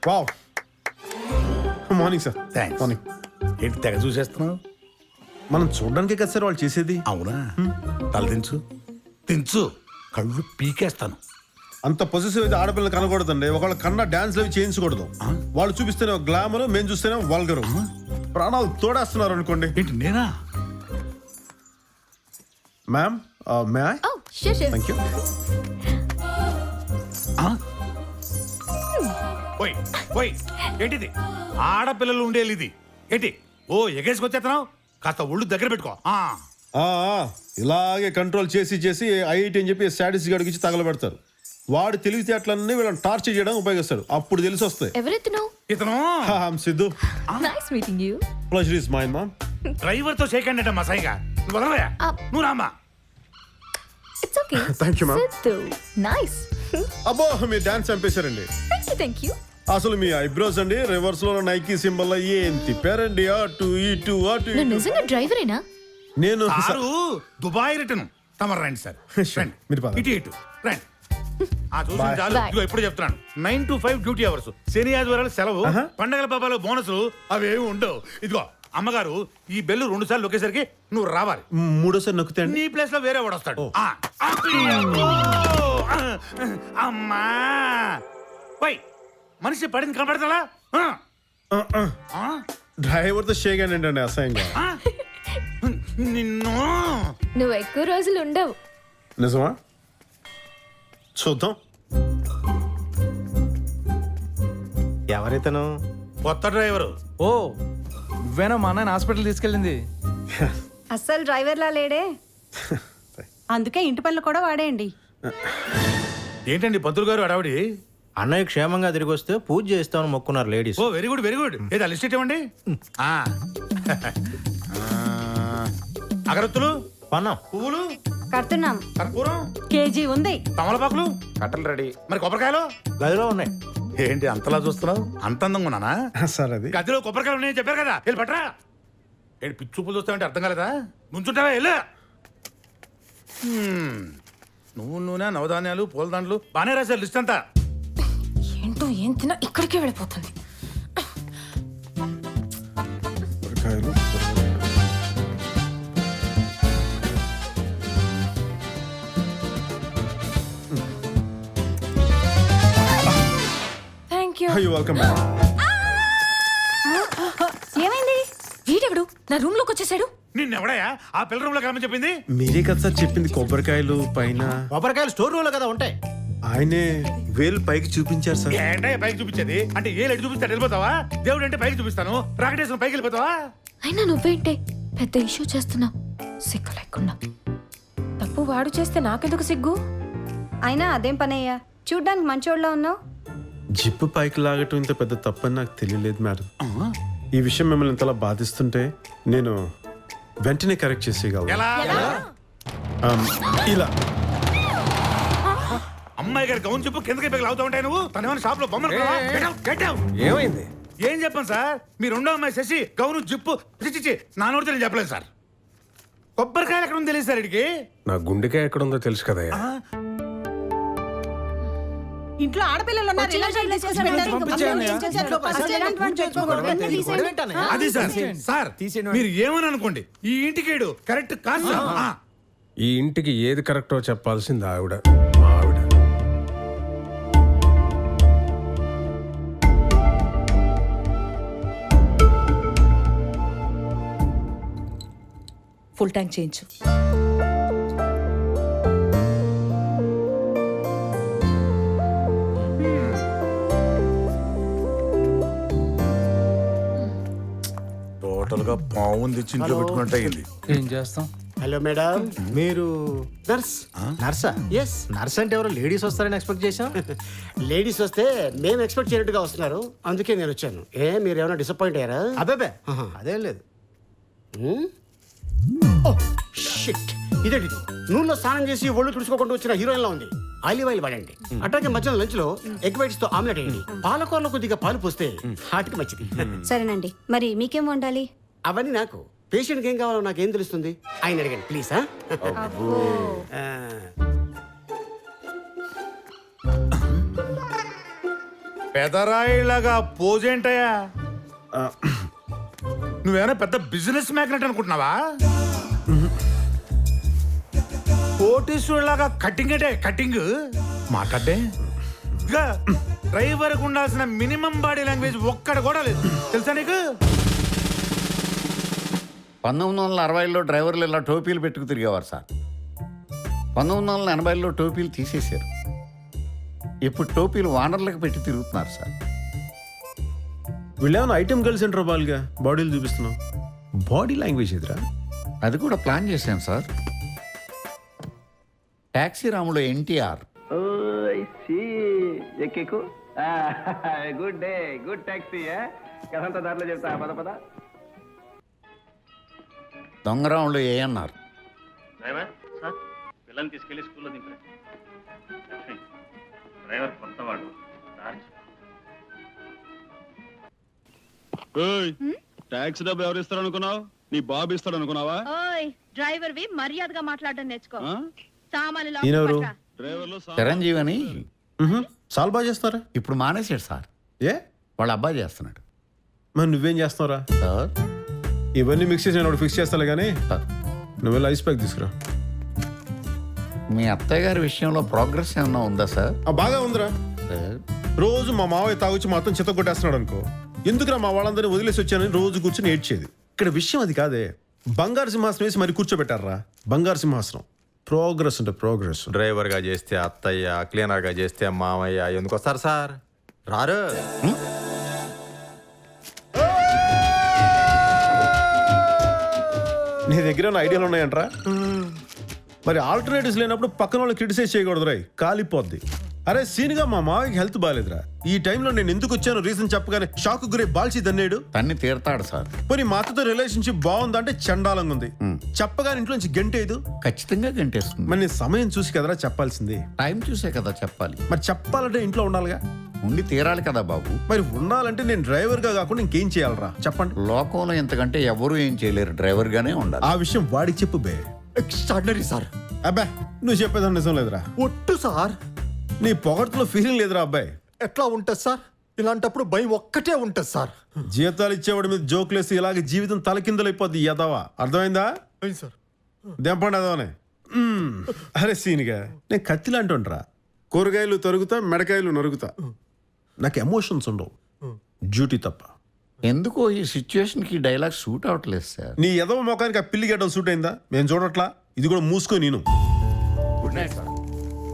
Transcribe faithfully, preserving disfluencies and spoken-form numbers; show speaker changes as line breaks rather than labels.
Wow morning sir.
Thanks.
Morning.
ఏంటి తెగ చూసేస్తున్నావు?
మనం చూడడానికే కదా సార్ వాళ్ళు చేసేది.
అవునా? తల దించు దించు, కళ్ళు పీకేస్తాను.
అంత పొజిటివ్ అయితే ఆడపిల్లలు కనకూడదండి. ఒకళ్ళ కన్నా డాన్స్ అవి చేయించకూడదు. వాళ్ళు చూపిస్తేనే గ్లామర్, మేము చూస్తేనే వల్గరు. ప్రాణాలు తోడేస్తున్నారు అనుకోండి.
ఏంటి నేనా?
Ma'am may I?
Oh, sure, sure.
Thank you.
ఓయ్ ఓయ్, ఏంటిది? ఆడపిల్లలు ఉండేది ఇది ఏంటి? ఓ ఎగేసుకొచ్చేస్తున్నావు, కాస్త ఒళ్ళు దగ్గర పెట్టుకో. ఆ,
ఆ, ఆ, ఇలాగే కంట్రోల్ చేసి చేసి ఐఐటి అని చెప్పి స్టాటిస్ గడికి ఇచ్చి తగలబెడతారు. వాడు తెలివితేటలన్నీ వీళ్ళని టార్చర్ చేయడానికి ఉపయోగిస్తాడు. అప్పుడు తెలిసి వస్తాయి.
ఎవరెత్తును?
ఇతను
Siddhu.
Nice meeting you.
Pleasure is mine ma'am.
Driver తో షేక్ అండి మా సాయిగా. నువ్వు వదలవయ్యా, నువ్వు రామ్మా.
It's okay.
Thank you, ma'am.
Siddhu nice.
అబ్బో మీరు డాన్స్ చంపేశారండి.
Thank you thank you.
అసలు మీ ఐబ్రోస్ అండి రివర్స్ లో నైకీ సింబల్ ఏం తిప్పారండి. అటు ఇటు అటు
నువ్వు
ఇటు.
నిజంగా డ్రైవరేనా?
నేను
సారు దుబాయ్ రిటర్న్. తమరు రండి సార్.
Sure. మీరు పద.
ఇటు ఇటు రండి. ఆ చూసిన
Bye.
చాలు.
Bye.
ఇదిగో ఎప్పుడు చెప్తున్నాను, nine to five duty hours. శని ఆదివారాలు సెలవు,
Uh-huh.
పండగల పాపాలు బోనసులు అవేమి ఉండవు. ఇదిగో అమ్మగారు, ఈ బెల్లు రెండు సార్లు నొక్కేసరికి నువ్వు రావాలి.
మూడోసారి నొక్కితే అండి.
నీ ప్లేస్ లో వేరే వాడు వస్తాడు.
Oh.
ఆ, అబ్బో! అమ్మా పోయ్, మనిషి పడింది కనపడతా?
డ్రైవర్ తో షేక్ అండి అండి అసహ్యంగా.
నిన్ను
నువ్వు ఎక్కువ రోజులు ఉండవు.
నిజమా? చూద్దాం.
ఎవరైతేను?
కొత్త డ్రైవరు.
ఓ నువ్వేనా మా అన్నయ్య హాస్పిటల్ తీసుకెళ్ళింది?
అస్సలు డ్రైవర్లా లేడే, అందుకే ఇంటి పనులు కూడా వాడేయండి.
ఏంటండి పంతులు గారు అడావిడి?
అన్నయ్య క్షేమంగా తిరిగి వస్తే పూజ చేస్తామని మొక్కున్నారు ladies.
Oh very good very good. ఏదా లిస్ట్ ఇవ్వండి. ఆ. అగరత్తులు,
పన్నాం.
పువ్వులు,
కడుతున్నాం.
కర్పూరం,
కేజీ ఉంది.
తమలపాకులు,
కట్టలు రెడీ.
మరి కొబ్బరికాయలు
గదిలో ఉన్నాయి.
ఏంటి అంతలా చూస్తున్నావు? అంత అందంగా ఉన్నానా?
సార్ అది
గదిలో కొబ్బరికాయలు ఉన్నాయని చెప్పారు కదా, వెళ్ళి పట్టరా. ఏంటి పిచ్చి చూపులు చూస్తావంటే అర్థం కాలేదా? నుంచుంటావా? వెళ్ళు. హ్మ్. నువ్వు నూనె, నవధాన్యాలు, పూలదండలు బాగానే రాశారు లిస్ట్ అంతా.
ఏంటో ఏం తిన్నా ఇక్కడికే వెళ్ళిపోతుంది.
కొబ్బరికాయలు.
Thank you.
You welcome.
ఏమైంది?
వీడెవడు నా రూమ్ లోకి వచ్చేసాడు?
నిన్నెవడయా ఆ పిల్ల రూమ్ లో కలమని చెప్పింది?
మీరే కదా సార్ చెప్పింది కొబ్బరికాయలు పైన.
కొబ్బరికాయలు స్టోర్ రూమ్ లో కదా ఉంటాయి.
ఆయనే వేలు పైకి చూపించారు సార్.
ఏంటయ్యా పైకి చూపించేది? అంటే ఏ లెట్ చూపిస్తాడు వెళ్ళిపోతావా? దేవుడు అంటే పైకి చూపిస్తాను, రాకెటేశ్వరం పైకి వెళ్ళిపోతావా?
అయినా నువ్వేంటే పెద్ద ఇష్యూ చేస్తున్నావు సిగ్గు లేకుండా. తప్పు వాడు చేస్తే నాకెందుకు సిగ్గు?
అయినా అదేం పనయ్యా, చూడ్డానికి మంచోళ్ళలో ఉన్నావు.
జిప్పు పైకి లాగటం ఇంత పెద్ద తప్పని నాకు తెలియలేదు మేడం. ఈ విషయం మిమ్మల్ని ఇంతలా బాధిస్తుంటే నేను వెంటనే కరెక్ట్ చేసేయగలను.
ఎలా?
ఆమ్, ఇలా
అమ్మాయి గారి గౌన్ చెప్పు కిందకి పైకి లాగుతూ ఉంటాయి. నువ్వు తన ఏమైనా షాప్ లో బొమ్మలు కొన్నావా? Get out, get out.
ఏమైంది?
ఏం చెప్పాను సార్? మీ రెండో అమ్మాయి శశి గౌను జిప్పు చిచ్చి నా నోటితో నేను చెప్పలేదు సార్. కొబ్బరికాయలు ఎక్కడ ఉంది తెలియదు సార్ ఇడికి.
నా గుండెకాయ ఎక్కడ ఉందో తెలుసు కదా.
ఇంట్లో ఆడపిల్లలు ఉన్నారు, ఇలా ఇలా చేసి పెట్టారు.
పంపించేయండి.
ఏం చేశారు? అసలు ఇలాంటి వాడిని పెట్టుకోకూడదు. వెంటనే తీసేయండి.
అది సార్ సార్ మీరు ఏమని అనుకోండి, ఈ ఇంటికేడు కరెక్ట్ కాదు సార్. ఆ.
ఈ ఇంటికి ఏది కరెక్టో చెప్పాల్సింది ఆవిడ, మా ఆవిడ.
ఫుల్ ట్యాంక్ చేయించు.
టోటల్ గా పావుని తెచ్చి ఇంట్లో పెట్టుకున్నట్టు అయింది.
ఏం చేస్తాం?
హలో మేడం, మీరు నర్స్? నర్సా? ఎస్. నర్స్ అంటే ఎవరు లేడీస్ వస్తారని ఎక్స్పెక్ట్ చేశాం.
లేడీస్ వస్తే మేము ఎక్స్పెక్ట్ చేయనట్టుగా వస్తున్నారు, అందుకే నేను వచ్చాను. ఏ మీరు ఏమైనా డిసప్పాయింట్ అయ్యారా?
అబ్బే అదేం లేదు.
షిట్, ఇదేంటి ఇది? నూనెలో స్నానం చేసి ఒళ్ళు తుడుచుకోకుండా వచ్చిన హీరోయిన్ లా ఉంది. ఆలివ్ ఆయిల్ వాడండి. అట్లాగే మధ్యాహ్నం లంచ్ లో ఎగ్ వైట్స్ తో ఆమ్లెట్ వేయండి. పాలకూరలో కొద్దిగా పాలు పోస్తే హార్ట్కి మంచిది.
సరేనండి, మరి మీకేం వండాలి?
అవన్నీ నాకు, పేషెంట్కి ఏం కావాలో నాకేం తెలుస్తుంది? ఆయన అడగండి ప్లీజ్.
పెదరాయిలాగా పోజేంటయ్యా నువ్వేమైనా పెద్ద బిజినెస్ మ్యాగ్నెట్ అనుకుంటున్నావా కోటీశ్వరులాగా కటింగ్ అంటే కటింగ్ మాట్లాడే ఇంకా డ్రైవర్కి ఉండాల్సిన మినిమం బాడీ లాంగ్వేజ్ ఒక్కడ కూడా లేదు తెలుసా నీకు
పంతొమ్మిది వందల అరవైలో డ్రైవర్లు ఇలా టోపీలు పెట్టుకు తిరిగేవారు సార్ పంతొమ్మిది వందల ఎనభైలో టోపీలు తీసేశారు ఇప్పుడు టోపీలు వానర్లకు పెట్టి తిరుగుతున్నారు సార్
వీళ్ళేమైనా ఐటెం గర్ల్స్ సెంటర్ బాల్గా బాడీలు చూపిస్తున్నావు బాడీ లాంగ్వేజ్ ఎదురా
అది కూడా ప్లాన్ చేశాను సార్ ట్యాక్సీ రాముడు ఎన్టీఆర్
ఎక్కేకు గుడ్ డే గుడ్ ట్యాక్సీ కదంతా దాంట్లో చెప్తా పద పద
దొంగరాముడు ఏఎన్ఆర్
డ్రైవర్ సార్ పిల్లల్ని తీసుకెళ్లి స్కూల్లో దింపే లక్ష్మి డ్రైవర్ కొత్తవాడు
ట్యాక్సీ డబ్బులు ఎవరు ఇస్తారు అనుకున్నావు నీ బాబు ఇస్తాడు అనుకున్నావా
ఓయ్ డ్రైవర్ వి మర్యాదగా మాట్లాడడం నేర్చుకో
ఆ?
సామాన్లు
ఈయనెవరు?
డ్రైవర్లు సా-
చిరంజీవి అని
చాలా బాగా చేస్తారా
ఇప్పుడు మానేశాడు సార్
ఏ
వాళ్ళ అబ్బాయి చేస్తున్నాడు
మరి నువ్వేం చేస్తున్నావురా
సార్
ఇవన్నీ మిక్స్ చేసి నేను ఫిక్స్ చేస్తాలే కానీ
సార్
నువ్వు వెళ్ళి ఐస్ ప్యాక్ తీసుకురా
మీ అత్తయ్య గారి విషయంలో ప్రోగ్రెస్ ఏమన్నా ఉందా సార్
ఆ, బాగా ఉందిరా
సార్
రోజు మా మావయ్య తాగుచ్చి మొత్తం చెత్త కొట్టేస్తున్నాడు అనుకో ఎందుకురా మా వాళ్ళందరినీ వదిలేసి వచ్చానని రోజు కూర్చొని ఏడ్చేది ఇక్కడ విషయం అది కాదే బంగారు సింహాసనం వేసి మరి కూర్చోబెట్టారా బంగారు సింహాసనం ప్రోగ్రెస్ అంటే ప్రోగ్రెస్
డ్రైవర్గా చేస్తే అత్తయ్య క్లీనర్గా చేస్తే మామయ్య ఎందుకు వస్తారు సార్ రారు
నీ దగ్గర ఉన్న ఐడియాలు ఉన్నాయంట్రా మరి ఆల్టర్నేటివ్స్ లేనప్పుడు పక్కన వాళ్ళు క్రిటిసైజ్ చేయకూడదు రాయ్ కాలిపోద్ది అరే సీన్గా మా మావయ్యకి హెల్త్ బాగాలేదురా ఈ టైంలో నేను ఎందుకు వచ్చాను రీజన్ చెప్పగానే షాక్ గురే బాల్చి దన్నేడు
తన్ని తీరతాడు సార్
పోనీ మా అత్తతో రిలేషన్షిప్ బాగుందా అంటే చండాలంగా ఉంది చెప్పగానే ఇంట్లో నుంచి గంటేదు
ఖచ్చితంగా గంటేస్తుంది
మరి నేను సమయం చూసి కదరా చెప్పాల్సింది
టైం చూసే కదా చెప్పాలి
మరి చెప్పాలంటే ఇంట్లో ఉండాలిగా
ఉండి తీరాలి కదా బాబు
మరి ఉండాలంటే నేను డ్రైవర్గా కాకుండా ఇంకేం చేయాలరా చెప్పండి
లోకంలో ఎంతకంటే ఎవరు ఏం చేయలేరు డ్రైవర్గానే ఉండాలి
ఆ విషయం వాడికి చెప్పు బే
ఎక్స్ట్రాడినరీ సార్
అబ్బా నువ్వు చెప్పేదాన్ని నిజం లేదురా
ఒట్టు సార్
నీ పొగట్లో ఫీలింగ్ లేదురా అబ్బాయి
ఎట్లా ఉంటుంది సార్ ఇలాంటప్పుడు భయం ఒక్కటే ఉంటుంది సార్
జీతాలు ఇచ్చేవాడి మీద జోకులేసి ఇలాగే జీవితం తలకిందలైపోద్ది యదవా అర్థమైందా
సార్
దెంపండి అదవనే మ్మ్. అరే సీనిగా నేను కత్తిలా అంటుండ్రా కూరగాయలు తరుగుతా మెడకాయలు నరుగుతా నాకు ఎమోషన్స్ ఉండవు డ్యూటీ తప్ప
ఎందుకో ఈ సిచ్యువేషన్ కి డైలాగ్ సూట్ అవట్లేదు సార్
నీ ఎదవ మొఖానికి ఆ పిల్లి గడ్డం సూట్ అయిందా మేము చూడట్లా ఇది కూడా మూసుకో నేను
గుడ్ నైట్ సార్